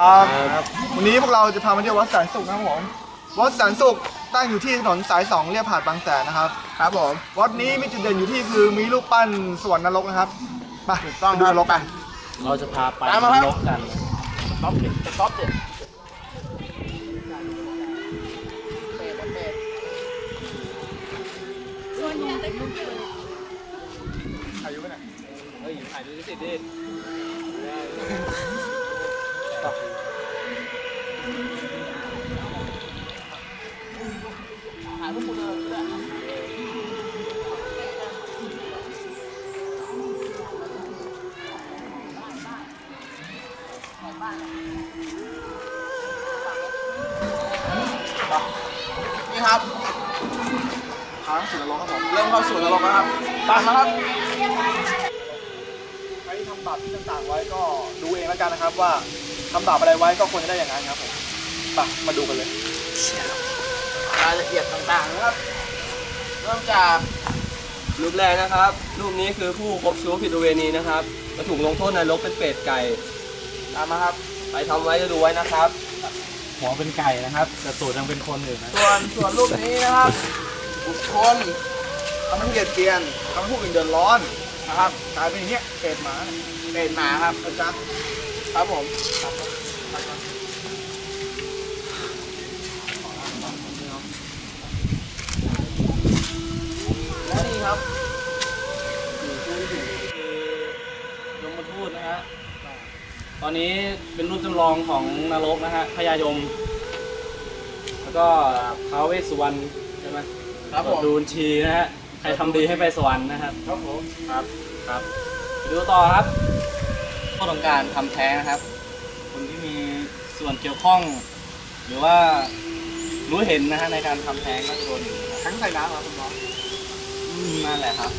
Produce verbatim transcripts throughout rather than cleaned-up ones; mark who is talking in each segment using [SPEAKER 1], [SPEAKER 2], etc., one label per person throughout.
[SPEAKER 1] วันนี้พวกเราจะพามาเที่ยววัดแสนสุขนะครับผมวัดแสนสุขตั้งอยู่ที่ถนนสายสองเลียบหาดบางแสนนะครับครับผมวัดนี้มีจุดเด่นอยู่ที่คือมีรูปปั้นสวรรค์นรกนะครับไปต้องดูนรกไป
[SPEAKER 2] เราจะพาไปนรกกันต๊อปเด็ดต๊อปเด็ด
[SPEAKER 1] ถ่ายอยู่ไหมเนี่ย
[SPEAKER 2] เฮ้ยถ่ายดูสิดิถ่ายพวกคุณเลยได้
[SPEAKER 1] นี่ครับทางสู่นรกครับผมเริ่มเข้าสู่นรกแล้วครับตามมาครับใครทำบาปที่ต่างๆไว้ก็ดูเองแล้วกันนะครับว่าทำบาปอะไรไว้ก็ควรจะได้อย่างนั้นครับผมไปมาดูกันเลยรายละเอียดต่างๆนะครับเริ่มจาก
[SPEAKER 2] รูปแรกนะครับรูปนี้คือผู้คบชู้ผิดประเวณีนะครับจะถูกลงโทษนรกเป็นเป็ดไก่
[SPEAKER 1] ตามมาครับ
[SPEAKER 2] ไปทำไว้จะดูไว้นะครับหัวเป็นไก่นะครับแต่ตูดยังเป็นคนอยู่นะ
[SPEAKER 1] ส่วนส่วนรูปนี้นะครับบุคคลทำให้เกลียดเกลียนทำให้ผู้อื่นเดือดร้อนนะครับกลายเป็นอย่างเงี้ยเป็ดหมาเป็ดหมาครับอาจารย์ครับผมและนี่ครับ
[SPEAKER 2] ยมทูตนะฮะตอนนี้เป็นรูปจำลองของนรกนะฮะพญายมแล้วก็ท้าวเวสสุวรรณใช่ไหม
[SPEAKER 1] ครับผม
[SPEAKER 2] ดูนชีนะฮะใครทำดีให้ไปสวรรค์นะครับ
[SPEAKER 1] ครับผม
[SPEAKER 2] ครับครับไปดูต่อครับข้อต้องการทำแท้งนะครับคนที่มีส่วนเกี่ยวข้องหรือว่ารู้เห็นนะฮะในการทำแท้งก็จะโดน
[SPEAKER 1] ทั้งใส่น้ำครับคุณหมอ
[SPEAKER 2] นั่นแหละครับ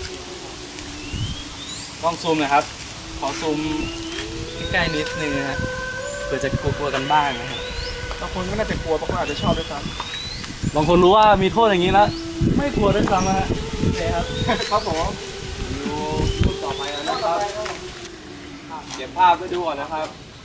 [SPEAKER 2] กล้องซูมนะครับขอซูมใกล้ๆนิดนึงนะฮะเพื่อจะกลัวๆกันบ้างนะครับ
[SPEAKER 1] บางคนก็น่าจะกลัวบางคนอาจจะชอบด้วยซ้ำ
[SPEAKER 2] บางคนรู้ว่ามีโทษอย่างนี้แล้วไม่กลัวด้วยซ้ำนะฮะโอเคครับ
[SPEAKER 1] ครับผม
[SPEAKER 2] ดูรูปต่อไปแล้วนะครับเก็บภาพไว้ดูก่อนนะครับ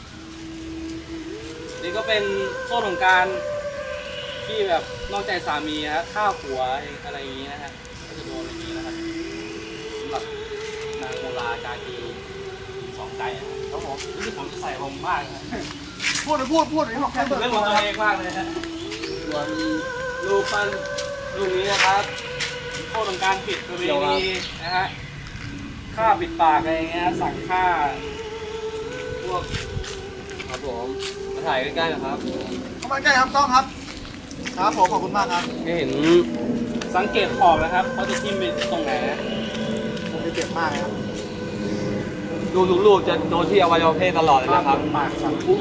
[SPEAKER 2] นี่ก็เป็นโทษของการที่แบบนอกใจสามีฮะฆ่าผัวอะไรอย่างนี้นะฮะก็จะโดนอย่างนี้นะครับสำหรับนางโมลากากีสองใจนะครับผมนี่ผมจะใส่ผมมากนะ
[SPEAKER 1] พูดพูดพูดนี่ผมแค่
[SPEAKER 2] เล่นของตัวเองมากเลยฮะส่วนรูปปั้นรูปนี้นะครับโทษของการผิดประเวณีนะฮะฆ่าปิดปากอะไรเงี้ยสั่งฆ่าพวกครับผมมาถ่ายใกล้ๆนะครับ
[SPEAKER 1] เข้ามาใกล้ครับกล้องครับครับผมขอบคุณมากครับ
[SPEAKER 2] ไม่เห็นสังเกตขอบนะครับเขาจะทิ่มไปตรงไหน
[SPEAKER 1] ผมจะเจ็บมากครับ
[SPEAKER 2] ดูลูกๆจะโดนที่อวัยวะเพศตลอดเลยนะครับ
[SPEAKER 1] ปากสั่งพุ่ง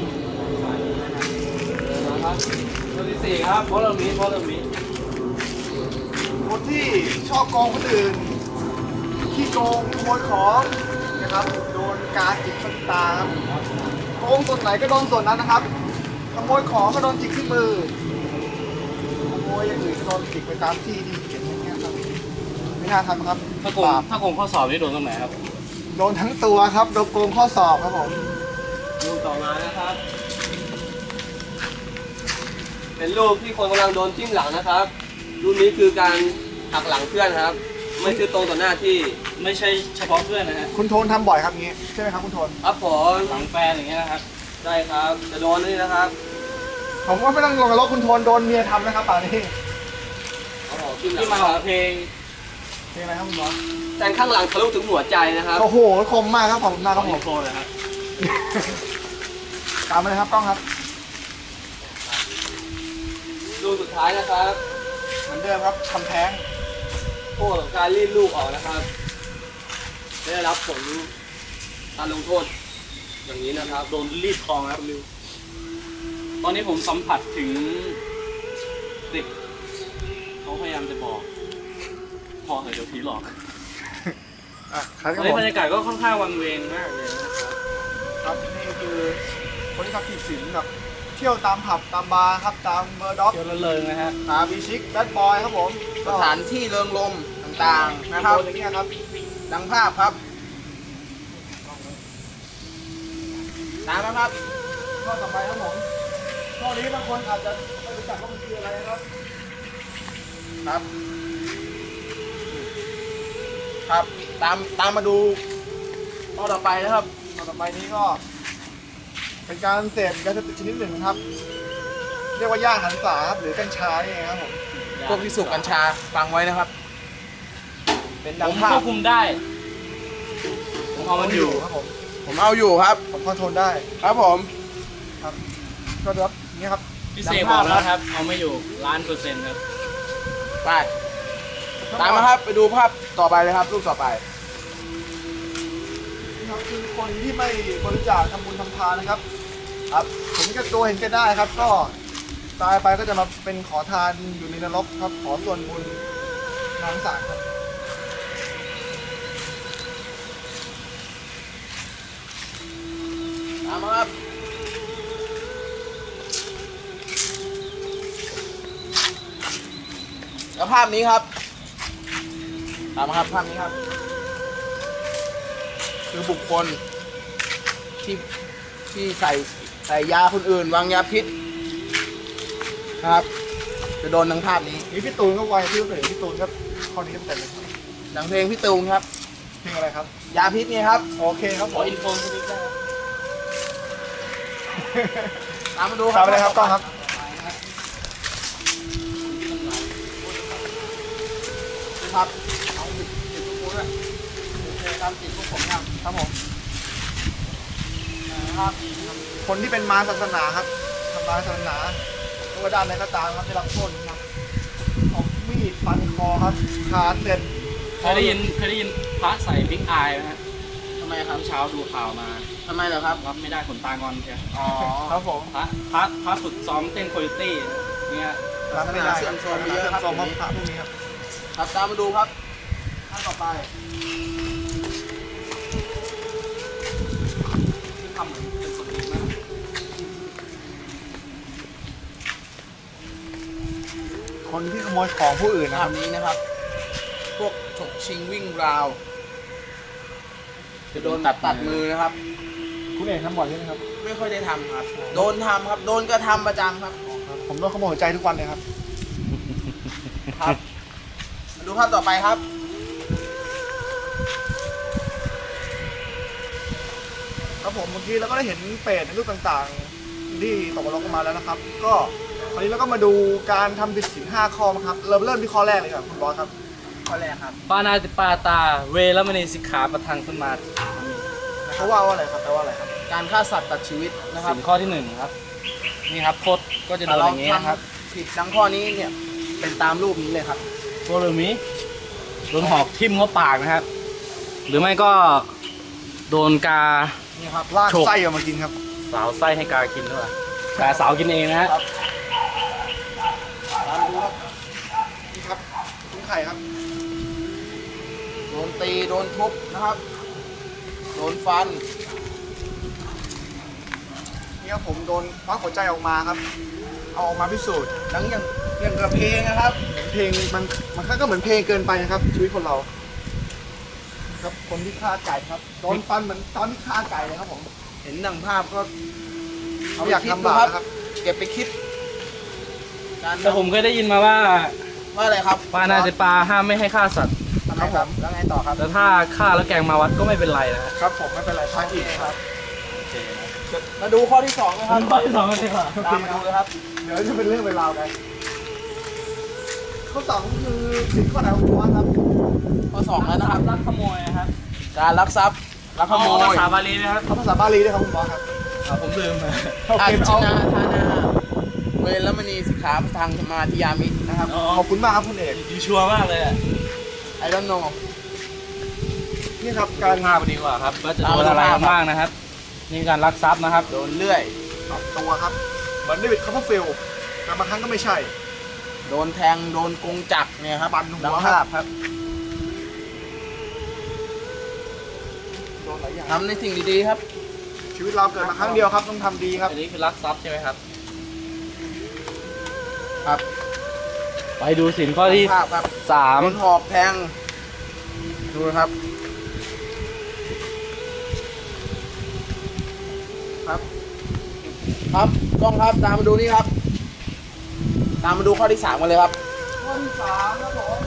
[SPEAKER 2] นะครับตัวที่สี่ครับเพราะเรามีเพราะเรามี
[SPEAKER 1] คนที่ชอบโกงคนอื่นขี้โกงขโมยของนะครับโดนการจิกตาครับโกงส่วนไหนก็โดนส่วนนั้นนะครับขโมยของก็โดนจิกที่มือขโมยอย่างอื่นก็โดนจิกไปตามที่ที่เขียนอย่างเงี้ยครับไม่น่าทำครับ
[SPEAKER 2] ถ้าโกงถ้าโกงข้อสอบนี่โดนตรงไหนครับ
[SPEAKER 1] โดนทั้งตัวครับโดนโกงข้อสอบครับผม
[SPEAKER 2] รูปต่อมานะครับเป็นรูปที่คนกำลังโดนจิ้มหลังนะครับรูปนี้คือการหักหลังเพื่อนครับไม่คือตรงต่อหน้าที่ไม่ใช่เฉพาะเพื่อนนะฮะ
[SPEAKER 1] คุณโทนทำบ่อยครับงี้ใช่ไหมครับคุณโทน
[SPEAKER 2] ครับผมหลังแฟนอย่างเงี้ยนะครับใช่ครับจะโดนนี่นะครับ
[SPEAKER 1] ผมว่าไม่ต้องลงกับรถคุณโทนโดนเมียทำนะครับป่านนี้
[SPEAKER 2] ที่มาของเพลง
[SPEAKER 1] เพลงอะไรครับคุณหมอ
[SPEAKER 2] แต่ข้างหลังทะลุถึงหัวใจนะครับ
[SPEAKER 1] โอ้โหคมมากครับผมหน้าครับผม
[SPEAKER 2] โคเลยครับ
[SPEAKER 1] ตามมาเลยครับกล้องครับ
[SPEAKER 2] ดูสุดท้ายนะครับ
[SPEAKER 1] เหมือนเดิมครับทำแท้ง
[SPEAKER 2] โทษของการรีดลูกออกนะครับได้รับผลการลงโทษอย่างนี้นะครับโดนรีดคอครับตอนนี้ผมสัมผัสถึงเด็กเขาพยายามจะบอกพอเหอะเดี๋ยวผีหลอกตอนนี้บรรยากาศก็ค่อนข้างวังเวงมากเลยนะครับ
[SPEAKER 1] ครับนี่คือคนที่ทำผิดศีลแบบเที่ยวตามผับตามบาร์ครับตามเบอร์ด็อก
[SPEAKER 2] เที่ยวเลิงนะฮะ
[SPEAKER 1] หาบีชิคแบดบอยครับผมสถานที่เริงรมต่างๆนะครับอย่างเงี้ยครับดังภาพครับตามนะครับข้อต่อไปครับผมข้อนี้บางคนอาจจะไม่รู้จักว่ามันคืออะไรนะครับ
[SPEAKER 3] ครับครับตามตามมาดูข้อต่อไปนะครับ
[SPEAKER 1] ข้อต่อไปนี้ก็ เป็นการเสพยาเสพติดชนิดหนึ่งครับ เรียกว่าย่าหันษาครับหรือกัญชานี่เองครับผม
[SPEAKER 3] พวกที่สูบกัญชาฟังไว้นะครับ เป็น
[SPEAKER 2] ผ
[SPEAKER 3] ดัง
[SPEAKER 2] ม
[SPEAKER 3] ภา
[SPEAKER 2] คว
[SPEAKER 3] พ
[SPEAKER 2] บคุมได้ผมเอามันอยู่
[SPEAKER 1] ครับผม
[SPEAKER 3] ผมเอาอยู่ครับ
[SPEAKER 1] ผมคอนโทรลได้
[SPEAKER 3] ครับผม
[SPEAKER 1] ครับก็แบบนี้ครับ
[SPEAKER 2] พี่เสกบอกแล้วครับ เอาไม่อยู่ล้านเปอร์เซ็นต์ครับ
[SPEAKER 3] ไปตามมาครับไปดูภาพต่อไปเลยครับรูปต่อไป
[SPEAKER 1] นี่ครับคือคนที่ไม่บริจาคทำบุญทำทานนะครับ ครับผมก็ตัวเห็นแก่ได้ครับ ก็ตายไปก็จะมาเป็นขอทานอยู่ในนรกครับ ขอส่วนบุญทางสารครับ
[SPEAKER 3] ตามมาครับแล้วภาพนี้ครับตามมาครับภาพนี้ครับ คือบุคคลที่ที่ใส่ใส่ยาคนอื่นวางยาพิษนะครับ จะโดนทั้งภาพนี้
[SPEAKER 1] นี่พี่ตูนก็ไวพี่ก็เห็นพี่ตูนครับข้อนี้เต็มเลย
[SPEAKER 3] ดังเพลงพี่ตูนครับ
[SPEAKER 1] เพลงอะไรครับ
[SPEAKER 3] ยาพิษไงครับ
[SPEAKER 1] โอเคครับ
[SPEAKER 2] ข
[SPEAKER 1] ผ
[SPEAKER 2] อ
[SPEAKER 1] ม
[SPEAKER 2] อินโฟนสักนิดได้ไหม
[SPEAKER 3] ตามมาดู
[SPEAKER 1] ตามไปเลยครับต้องครับ
[SPEAKER 3] ครับเอาติดติดพวกผมด้วยโอเคครับติดพวกผมครับ
[SPEAKER 1] ครับผม
[SPEAKER 3] นะครับ
[SPEAKER 1] คนที่เป็นมารศาสนาครับทำลายศาสนาไม่ว่าด้านไหนก็ตามครับได้รับโทษครับเอามีดฟันคอครับขาดเด็ด
[SPEAKER 2] เคยได้ยินเคยได้ยินพระใส่บิ๊กอายไหมฮะ
[SPEAKER 3] ทำไมครับ
[SPEAKER 2] เช้าดูข่าวมา
[SPEAKER 3] ทำไมเหรอครับ
[SPEAKER 2] รับไม่ได้ขนตางอนเชียว
[SPEAKER 3] อ๋อ
[SPEAKER 1] ครับผม
[SPEAKER 2] พระพระพระฝึกซ้อมเต้นโคโยตี้เนี่ย
[SPEAKER 1] รับไม่ได้
[SPEAKER 3] เสื่อมโทรมไปเยอะครับ
[SPEAKER 1] เสื่อมโทรมพระพวกนี้ครับ
[SPEAKER 3] ครับตามมาดูครับท่านต่อไป
[SPEAKER 2] ที่ทำเหมือนเป็นคนดีมาก
[SPEAKER 1] คนที่ขโมยของผู้อื่นนะ
[SPEAKER 3] ภา
[SPEAKER 1] ค
[SPEAKER 3] พ
[SPEAKER 1] รับ
[SPEAKER 3] นี้นะครับ พวกฉกชิงวิ่งราว จะโดนตัดตัดมือนะครับ
[SPEAKER 1] คุณเอกทำบ่อยใช่ไหมครับ
[SPEAKER 3] ไม่ค่อยได้ทำครับ โดนทำครับ โดนกระทำประจำครับ
[SPEAKER 1] ผมโดนขโมยหัวใจทุกวันเลยครับ
[SPEAKER 3] ครับ มาดูภาพต่อไปครับ
[SPEAKER 1] ครับผมเมื่อกี้เราก็ได้เห็นเปรตในรูปต่างๆ ที่ตกนรกกันมาแล้วนะครับ ก็วันนี้เราก็มาดูการทำผิดศีลห้าข้อนะครับเริ่มเริ่มที่ข้อแรกเลยครับคุณบอสครับ
[SPEAKER 3] ข้อแรกครับ
[SPEAKER 2] ปานาติปาตาเวรมณีสิกขาประทังสมาธิ
[SPEAKER 1] เขาว่าว่าอะไรครับแปลว่าอะไรครับ
[SPEAKER 3] การฆ่าสัตว์ตัดชีวิตนะครับ
[SPEAKER 2] สินข้อที่หนึ่งครับ นี่ครับโทษก็จะโดนอย่างนี้นะครับ
[SPEAKER 3] ผิดดังข้อนี้เนี่ย เป็นตามรูปนี้เลยครับ
[SPEAKER 2] โดนหรือมีโดนหอกทิ่มเข้าปากนะครับ หรือไม่ก็โดนกา
[SPEAKER 1] นี่ครับลาก
[SPEAKER 2] โฉก
[SPEAKER 1] ไส้ออกมากินครับ
[SPEAKER 2] สาวไส้ให้กากินด้วยกาสาวกินเองนะฮะ
[SPEAKER 3] ครับ
[SPEAKER 1] ตามดูครับนี่ครับตุ้งไข่ครับ
[SPEAKER 3] โดนตี โดนทุบนะครับ โดนฟัน
[SPEAKER 1] นี่ครับผมโดนควักหัวใจออกมาครับ เอาออกมาพิสูจน์
[SPEAKER 3] หนังอย่างอย่างกระเพลงนะครับ
[SPEAKER 1] เพลงมันมันก็เหมือนเพลงเกินไปนะครับ ชีวิตคนเรา ครับคนที่ฆ่าไก่ครับโดนฟันเหมือนตอนที่ฆ่าไก่เลยครับผม
[SPEAKER 3] เห็นดังภาพก็
[SPEAKER 1] เขาอยากทำบาปนะครับ
[SPEAKER 3] เก็บไปคิด การ
[SPEAKER 2] แต่ผมเคยได้ยินมาว่า
[SPEAKER 3] ว่าอะไรครับ
[SPEAKER 2] ปานาติปาห้ามไม่ให้ฆ่าสัตว์
[SPEAKER 3] ทำไมครับ แล้วไงต่อครับ
[SPEAKER 2] แต่ถ้าฆ่าแล้วแกงมาวัดก็ไม่เป็นไรนะฮะ
[SPEAKER 1] ครับผมไม่เป็นไรพระอีกครับ
[SPEAKER 3] มาดูข้อที่สองนะครับ
[SPEAKER 2] ข้อที่สองกันดีกว่า
[SPEAKER 3] ตามมาดูเลยครับ
[SPEAKER 1] เดี๋ยวจะเป็นเรื่องเป็นราวกันข้อสองคือสิ่งข้อไหนของคุณว่าครับ
[SPEAKER 3] ข้อสองแล้วนะครับ
[SPEAKER 2] ลักขโมยนะครับ
[SPEAKER 3] การลักทรัพย์ลักขโม
[SPEAKER 2] เอาภาย ษาบาลีไหมครับ
[SPEAKER 1] เขาภาษาบาลีด้วยครับคุณบอสครับ
[SPEAKER 2] อ่าผมลืมไป
[SPEAKER 1] โอ
[SPEAKER 3] อา
[SPEAKER 1] เค
[SPEAKER 3] ชิ
[SPEAKER 1] เอา
[SPEAKER 3] นาทานาเวรมณีสิกขาทางสมาธิยามินะครับ
[SPEAKER 2] อ๋อ
[SPEAKER 1] ขอบคุณมากครับคุณเอก
[SPEAKER 2] ดีชัวร์มากเลยอ่ะ
[SPEAKER 3] I don't know
[SPEAKER 1] นี่ครับ
[SPEAKER 2] กา
[SPEAKER 1] การ
[SPEAKER 2] รฆ่าไปดีกว่าครับว่าจะโดนอะไรกันบ้างนะครับ นี่การลักทรัพย์นะครับ
[SPEAKER 3] โดนเลื่อย
[SPEAKER 1] ปรับตัวครับเหมือนเดวิดคัพเปอร์ฟิลด์แต่บางครั้งก็ไม่ใช่
[SPEAKER 3] โดนแทง โดนกงจักรเนี่ยครับ
[SPEAKER 1] ปั่นหัว
[SPEAKER 3] ดัง
[SPEAKER 1] ครับ
[SPEAKER 3] ภาพครับ
[SPEAKER 1] โดนหลายอย่าง
[SPEAKER 3] ทำในสิ่งดีๆครับ
[SPEAKER 1] ชีวิตเราเกิดมาครั้งเดียวครับต้องทำดีครับ
[SPEAKER 2] อันนี้คือลักทรัพย์ใช่ไหมครับ
[SPEAKER 3] ครับ
[SPEAKER 2] ไปดูสินข้อที่
[SPEAKER 3] ภาพครับ
[SPEAKER 2] สาม
[SPEAKER 3] โดนหอกแทง ดูนะครับ ครับครับกล้องครับตามมาดูนี่ครับ ตามมาดูข้อที่สามกันเลยครับ
[SPEAKER 1] ข้อที่สามครับผม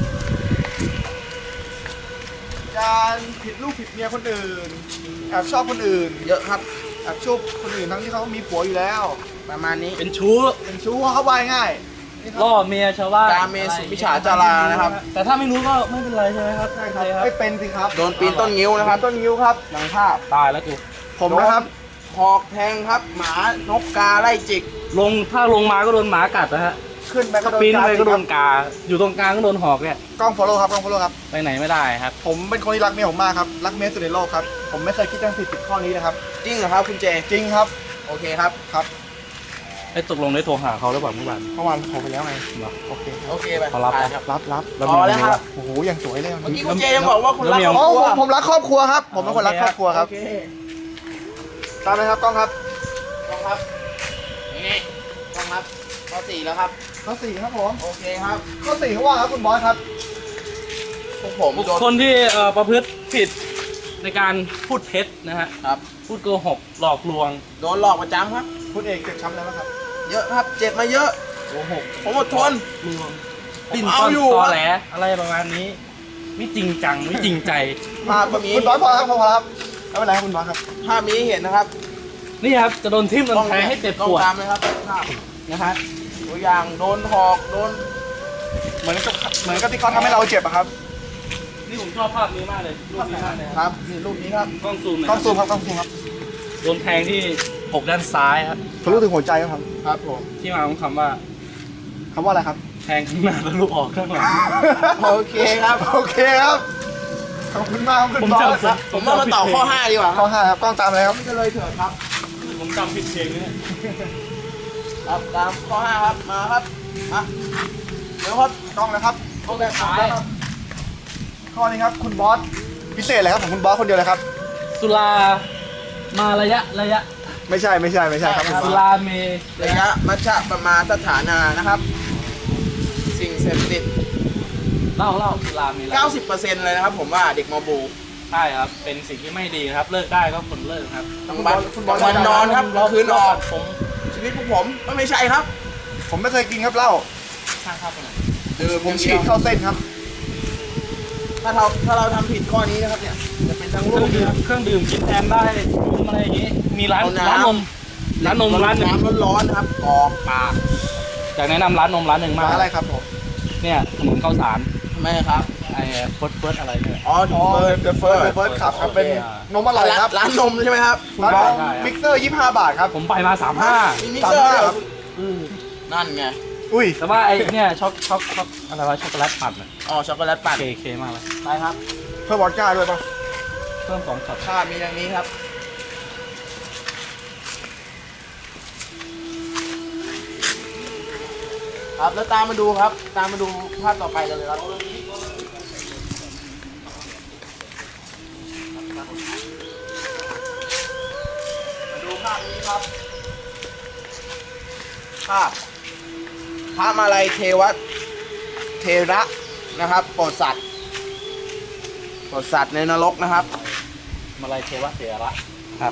[SPEAKER 1] การผิดลูกผิดเมียคนอื่นแอบชอบคนอื่น
[SPEAKER 3] เยอะครับ
[SPEAKER 1] แอบชอบคนอื่นทั้งที่เขามีผัวอยู่แล้ว
[SPEAKER 3] ประมาณนี้
[SPEAKER 2] เป็นชู้
[SPEAKER 1] เป็นชู้เขาบายง่ายนี่ครับ
[SPEAKER 2] ล่อเมียชาวบ้าน
[SPEAKER 3] กาเมสุมิจฉาจารานะครับ
[SPEAKER 2] แต่ถ้าไม่รู้ก็ไม่เป็นไรใช่ไหมครับ
[SPEAKER 1] ใช่ครับไม่เป็นสิครับ
[SPEAKER 3] โดนปีนต้นงิ้วนะครับ
[SPEAKER 1] ต้นนิ้วครับ
[SPEAKER 3] ดังภาพ
[SPEAKER 2] ตายแล้วกู
[SPEAKER 1] ผมนะครับ
[SPEAKER 3] หอกแทงครับ หมานกกาไล่จิก
[SPEAKER 2] ลงถ้าลงมาก็โดนหมากัดนะฮะ
[SPEAKER 1] ขึ้นไปก็โดน
[SPEAKER 2] ปีนไปก็โดน
[SPEAKER 1] กา
[SPEAKER 2] กา อยู่ตรงกลางก็โดนหอกเนี่ย
[SPEAKER 1] กล้อง follow ครับกล้อง follow ครับ
[SPEAKER 2] ไปไหนไม่ได้ครับ
[SPEAKER 1] ผมเป็นคนที่รักเมียผมมากครับรักเมียสุดในโลกครับผมไม่เคยคิดจะผิดผิดข้อนี้นะครับ
[SPEAKER 3] จริงเหรอครับคุณเจ
[SPEAKER 1] จริงครับ
[SPEAKER 3] โอเคครับ
[SPEAKER 1] ครับ
[SPEAKER 2] ไอ้ตกลงได้โทรหาเขาหรือเปล่าเมื่อวาน
[SPEAKER 1] เมื่อวานโทรไปแล้วไง
[SPEAKER 2] เหรอ
[SPEAKER 1] โอเค
[SPEAKER 3] โอเคไป
[SPEAKER 2] เขารับ
[SPEAKER 3] ไปครับ
[SPEAKER 1] รับรับ
[SPEAKER 3] พอแล้วครับ
[SPEAKER 1] โอ้โหอย่างสวยเลย
[SPEAKER 3] เมื่อกี้คุณเจยังบอกว่าคุณรัก
[SPEAKER 2] แล้ว
[SPEAKER 3] คร
[SPEAKER 1] อ๋
[SPEAKER 3] อ
[SPEAKER 1] อบ
[SPEAKER 3] ครั
[SPEAKER 1] ผ
[SPEAKER 3] ว
[SPEAKER 1] มผมรักครอบครัวครับผมเป็นคนรักครอบครัวครับ
[SPEAKER 3] โอเค
[SPEAKER 1] ตามเลยครับกล้องครับ
[SPEAKER 3] กล้องครับนี่กล้องครับข้อสี่แล้วครับ
[SPEAKER 1] ข้อสี่ครับผม
[SPEAKER 3] โอเคครับ
[SPEAKER 1] ข้อสี่เขาว่าครับคุณบอสครับ
[SPEAKER 3] พวกผม
[SPEAKER 2] บุค
[SPEAKER 3] โดน
[SPEAKER 2] คลที่เอ่อประพฤติผิดในการพูดเท็จนะฮะ
[SPEAKER 3] ครับ
[SPEAKER 2] พูดโกหกหลอกลวง
[SPEAKER 3] โดนหลอกประจำครับ
[SPEAKER 1] คุณเอกเจ็บช้ำแล้วครับ
[SPEAKER 3] เยอะครับ เจ็บมาเยอะ
[SPEAKER 2] โกหก
[SPEAKER 3] ผมอดทน
[SPEAKER 2] ลวง
[SPEAKER 3] ผม
[SPEAKER 2] ปิ้น
[SPEAKER 3] เอา
[SPEAKER 2] ป้อน
[SPEAKER 3] อยู่
[SPEAKER 2] ตอ
[SPEAKER 3] ครับ
[SPEAKER 2] แหลอะไรประมาณนี้ ไม่จริงจังไม่จริงใจ
[SPEAKER 3] ภาพก็มี
[SPEAKER 1] คุณบอสพอครับพอครับไม่เป็นไรครับคุณบอสครับ
[SPEAKER 3] ภาพมีให้เห็นนะครับ
[SPEAKER 2] นี่ครับจะโดนทิ่มโดนแทงให้เจ็บปวด
[SPEAKER 3] ต้องตามเลยครับภาพ
[SPEAKER 2] นะฮะ
[SPEAKER 3] ตัวอย่างโดนหอกโดน
[SPEAKER 1] เหมือนกับเหมือนกับที่เขาทำให้เราเจ็บอะครับ
[SPEAKER 2] นี่ผมชอบภาพนี้มากเลยรูปนี้มากเลย
[SPEAKER 3] ค
[SPEAKER 2] ครับ
[SPEAKER 3] รับนี่รูปนี้ครับ
[SPEAKER 2] กล้องซูมหน่อย
[SPEAKER 1] ต้องซูมครับต้องซูมครับ
[SPEAKER 2] โดนแทงที่อกด้านซ้ายครับ
[SPEAKER 1] ทะลุถึงหัวใจครับ
[SPEAKER 3] ครับผม
[SPEAKER 2] ที่มาของคำว่า
[SPEAKER 1] คำว่าอะไรครับ
[SPEAKER 2] แทงข้างหน้าแล้วลูกออกข้างหลัง
[SPEAKER 3] โอเคครับ
[SPEAKER 1] โอเคครับขอบคุณมากครับคุณ
[SPEAKER 2] ผม
[SPEAKER 1] บอส
[SPEAKER 2] จำ
[SPEAKER 1] ครับ
[SPEAKER 3] ผมว่ามาต่อข้อห้าดีกว่าค
[SPEAKER 1] ข้
[SPEAKER 3] รั
[SPEAKER 1] อบ ห้าครับกล้องตามเลยครับ
[SPEAKER 3] จะเลยเถิดครับ
[SPEAKER 2] ผมจำผิดเพลงเนี่ย
[SPEAKER 3] ครับตามข้อห้าครับมาครับมาเดี๋ยวครับ
[SPEAKER 1] กล้องนะครับ
[SPEAKER 3] ข้อแบบท้าย
[SPEAKER 1] ข้อนี้ครับคุณบอสพิเศษเลยครับของคุณบอสคนเดียวเลยครับ
[SPEAKER 2] สุรามาระยะระยะ
[SPEAKER 1] ไม่ใช่ไม่ใช่ไม่ใช่ครับคุณบ
[SPEAKER 2] สุ
[SPEAKER 1] อส
[SPEAKER 2] ราเม
[SPEAKER 3] ระยะมัชฌะประมาณสถานานะครับ สิ่งเสพติด
[SPEAKER 2] เล่าเล่าสุราเมระยะ
[SPEAKER 3] เก้าสิบเปอร์เซ็นต์ เลยนะครับ ผมว่าเด็กมบู
[SPEAKER 2] ใช่ครับ เป็นสิ่งที่ไม่ดีนะครับ เลิกได้ก็คนเลิกครับ
[SPEAKER 3] กลางวันกลางวันนอนครับกลางคืนออก
[SPEAKER 2] ผม
[SPEAKER 3] ชีวิตพวกผมก็ไม่ใช่ครับ
[SPEAKER 1] ผมไม่เคยกินครับเหล้า
[SPEAKER 2] ช่างภาพไปหน่อย
[SPEAKER 3] ดื่ม
[SPEAKER 1] ผมฉีดเข้าเส้นครับ
[SPEAKER 3] ถ้าเราถ้าเราทำผิดข้อนี้นะครับเนี่ยจะเป็นทั้ง
[SPEAKER 2] เค
[SPEAKER 3] ลู
[SPEAKER 2] รื่อง
[SPEAKER 3] ก
[SPEAKER 2] ดื่
[SPEAKER 3] นะ
[SPEAKER 2] ม
[SPEAKER 3] ครับ
[SPEAKER 2] เครื่องดื่มกินแทนได้นมอะไรอย่างงี้ มีร้าน
[SPEAKER 3] เอาน้ำ
[SPEAKER 2] ร้านนมร้านนมร้านหนึ่ง
[SPEAKER 3] น้ำร้อนๆนะครับกรอกปาก
[SPEAKER 2] อยากแนะนำร้านนมร้านหนึ่งมาก
[SPEAKER 1] ร้านอะไรครับผม
[SPEAKER 2] เนี่ยถนนข้าวสาร
[SPEAKER 3] ทำไมครับ
[SPEAKER 2] ไอ้เฟิร์สเฟิร์สอะไรเนี่ย
[SPEAKER 3] อ๋อ
[SPEAKER 1] อ๋อ
[SPEAKER 3] เฟิร์ส
[SPEAKER 1] เดอะเฟิร์สเดอะเฟิร์สขับครับเป็นนมอร่อยครับ
[SPEAKER 3] ร้านนมใช่ไหมครับ
[SPEAKER 1] ร้านนม
[SPEAKER 2] ใช่
[SPEAKER 1] มิกเซอร์ยี่สิบห้าบาทครับ
[SPEAKER 2] ผมไปมาสามห้า
[SPEAKER 3] มีมิกเซอร์ด้วยเหรอ
[SPEAKER 1] ครับ
[SPEAKER 3] นั่นไง
[SPEAKER 1] อุ้ย
[SPEAKER 2] แต่ว่าไอ้เนี่ยช็อกช็อกช็อกอะไรวะช็อกโกแลตปั่นอะ
[SPEAKER 3] อ๋อช็อกโกแลตปั่น
[SPEAKER 2] เคเคมากเลย
[SPEAKER 3] ไปครับ
[SPEAKER 1] เพิ่มวอดก้าด้วยป่ะ
[SPEAKER 2] เพิ่มสองช็อต
[SPEAKER 3] ภาพมีอย่างนี้ครับ ครับแล้วตามมาดูครับ ตามมาดูภาพต่อไปกันเลยครับมาดูภาพนี้ครับ ภาพพระมาลัยเทวะเทระนะครับโปรดสัตว์โปรดสัตว์ในนรกนะครับ
[SPEAKER 2] มาลายเทวะเถระ
[SPEAKER 3] ครับ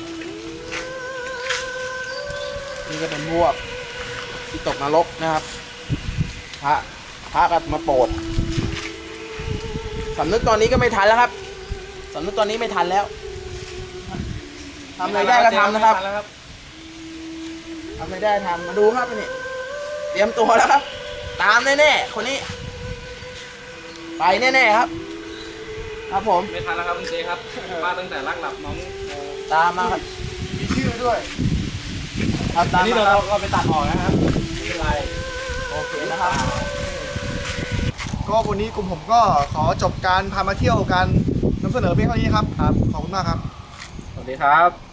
[SPEAKER 3] นี่ก็เป็นพวกที่ตกนรกนะครับพระพระก็มาโปรดสำนึกตอนนี้ก็ไม่ทันแล้วครับสำนึกตอนนี้ไม่ทันแล้วทำอะไรได้ก็ทำนะครับทำอะไรได้ทำมาดูครับนี่เตรียมตัวแล้วครับ ตามแน่ๆคนนี้ ไปแน่ๆครับ ครับผม
[SPEAKER 2] ไม่ทันแล้วครับคุณเจครับมาตั้งแต่รักหลับน้อง
[SPEAKER 3] ตามมาครับ
[SPEAKER 1] มีชื่อด้วย
[SPEAKER 3] ครับ
[SPEAKER 2] อั
[SPEAKER 3] ตาน ม
[SPEAKER 2] นี้
[SPEAKER 3] มา
[SPEAKER 2] เรา
[SPEAKER 3] ครับ
[SPEAKER 2] เราไปตัดออกนะครับไม่เป็นไร
[SPEAKER 3] โอเคนะครับ
[SPEAKER 1] ก็วันนี้กลุ่มผมก็ขอจบการพามาเที่ยวการนำเสนอเพียงเท่านี้ครับครับขอบคุณมากครับ
[SPEAKER 2] สวัสดีครับ